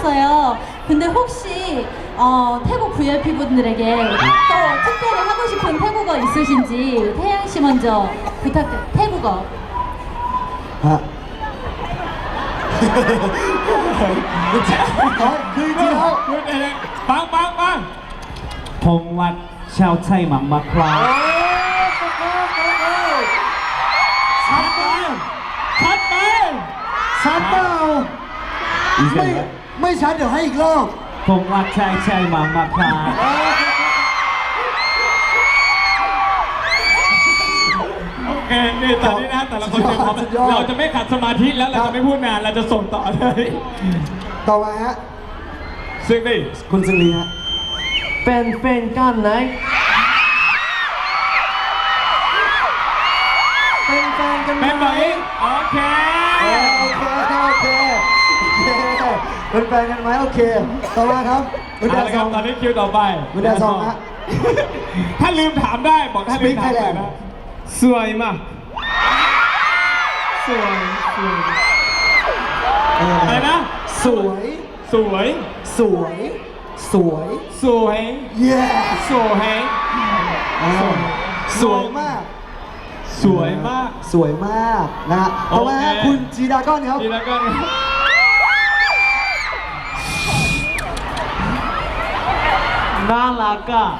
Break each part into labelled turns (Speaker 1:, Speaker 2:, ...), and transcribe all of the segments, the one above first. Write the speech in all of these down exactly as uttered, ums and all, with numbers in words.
Speaker 1: 해주셨어요. 근데 혹시 어, 태국 브이아이피 분들에게 또 특별히 하고 싶은 태국어 있으신지 태양 씨 먼저 부탁드려요. 태국어.
Speaker 2: ฮะ อ๋อคือจริงๆแล้ว
Speaker 3: พูดเองปังปังปัง
Speaker 4: ผมวัดชาวไทยหมังมาครา
Speaker 3: ชัดไปชัดไป
Speaker 2: ชัดเปล่า
Speaker 4: อีก
Speaker 2: ไม่
Speaker 4: แล้ว
Speaker 2: ไม่ชัดเดี๋ยวให้อีกรอบ
Speaker 4: ผมวัดชายชายหมังมาครา
Speaker 3: โอเคนี่ตอนนี้นะแต่ละคนเตรียมพร้อม
Speaker 2: สุดยอด
Speaker 3: เราจะไม่ขัดสมาธิแล้วเราจะไม่พูดนานเราจะส่งต่อเลย
Speaker 2: ต่อมาฮะ
Speaker 3: ซึ่งนี่
Speaker 2: คุณสิริฮะ
Speaker 4: เป็นแฟนกันไหน
Speaker 2: เป็นแฟนกันไหม
Speaker 3: เป็นแบบนี้โอเค
Speaker 2: เออโอเคโอเคโอเคเป็นแฟนกันไหมโอเค ต่อมาครับคุณ
Speaker 3: เอา
Speaker 2: ดา
Speaker 3: ละ
Speaker 2: ซ
Speaker 3: ครั
Speaker 2: อบ ง
Speaker 3: ตอนนี้คิวต่อไป
Speaker 2: คุณดาซองฮะ
Speaker 3: ถ้าลืมถามได้บอกถ้าลืมถามได้นะ
Speaker 4: สวยมากสวยสวย
Speaker 2: เออ
Speaker 3: อะไรนะ
Speaker 2: สวย
Speaker 3: สวย
Speaker 2: สวย สวย
Speaker 3: สวย
Speaker 2: เย้
Speaker 3: สวย
Speaker 2: เออสวยมาก
Speaker 3: สวยมาก
Speaker 2: สวยมากนะฮะต่อมาฮะ
Speaker 3: โอเค
Speaker 2: คุณจีดาก้อนครับ
Speaker 3: ทีละกัน
Speaker 4: น่ารักอ่ะ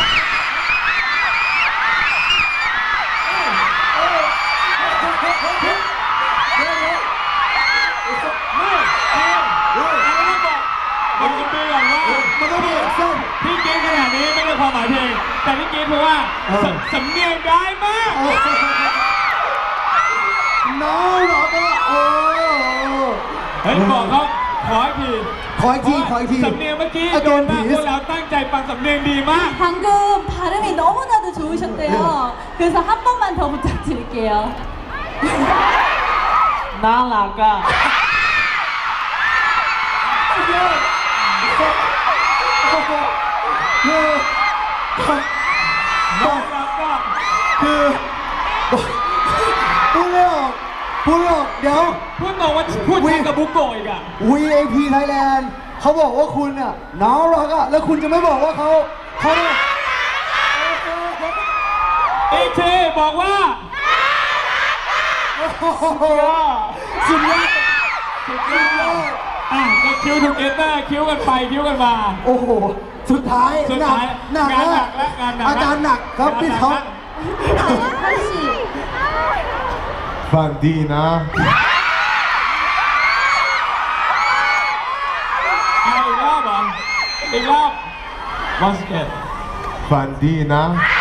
Speaker 3: ไม่เอาอันนี้บอกบอกคุณปีก่อนว่า
Speaker 2: มันต้องมีแอคชั่น
Speaker 3: พี่เกณฑ์ขนาดนี้ไม่ใช่ความหมายเพลงแต่พี่เกณฑ์เพราะว่า
Speaker 2: เออ
Speaker 3: สำสำเนียงได้มาก
Speaker 2: น้องเหรอก็โอ้
Speaker 3: เฮ้ยบอกเขาขออีกที
Speaker 2: ขออีกทีขออีกที
Speaker 3: สำเนียงเมื่อกี้
Speaker 2: อา
Speaker 3: โด
Speaker 2: จาร
Speaker 3: น
Speaker 2: ย์
Speaker 3: มาก
Speaker 2: ผี
Speaker 3: พวกเราตั้งใจฟังสำเนียงดีมาก
Speaker 1: 방금 발음이 너무나도 좋으셨대요. 그래서 한 번만 더 부탁드릴게요.
Speaker 4: น่ารักอ่ะ
Speaker 2: คือ
Speaker 3: น้องรักก็
Speaker 2: คือพูดไม่ออกพูดไม่ออกเดี๋ยว
Speaker 3: พูดตรงว่าพูดชัดกับบุกโกะอีกอ่ะ
Speaker 2: วี ไอ พี Thailand เขาบอกว่าคุณอ่ะน้องรักอ่ะแล้วคุณจะไม่บอกว่าเขาเขาเนี่ย
Speaker 3: อีกทีบอกว่า
Speaker 2: โอ้โหสุดยอดสุดยอด
Speaker 3: อ่ะก็คิวทูเกเตอร์คิวกันไปคิวกันมา
Speaker 2: โอ้โหสุดท้าย
Speaker 3: สุด
Speaker 2: หนัก
Speaker 3: ท้าย
Speaker 2: หนัก
Speaker 3: งานหนั
Speaker 2: แล้ว
Speaker 3: กและงานหนัก
Speaker 2: อาการหนักครับพี่ท็อป
Speaker 1: 한씨
Speaker 5: ฝันดีนะ
Speaker 3: เอาอีกรอบเหรออีกรอบ once again
Speaker 5: ฝันดีนะ